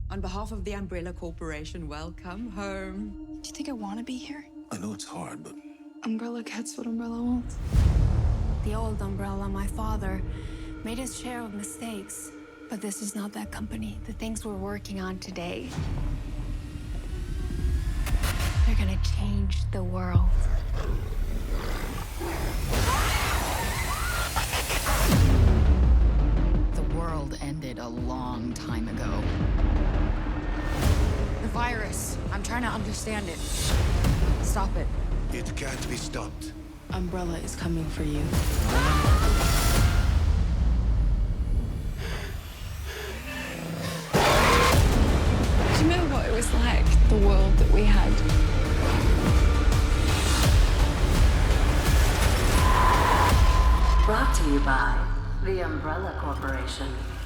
On behalf of the Umbrella Corporation, welcome home. Do you think I want to be here? I know it's hard, but Umbrella gets what Umbrella wants. The old Umbrella, my father, made his share of mistakes. But this is not that company. The things we're working on today, they're gonna change the world. The world ended a long time ago. The virus, I'm trying to understand it. Stop it. it can't be stopped. Umbrella is coming for you. Do you know what it was like, the world that we had? Brought to you by the Umbrella Corporation.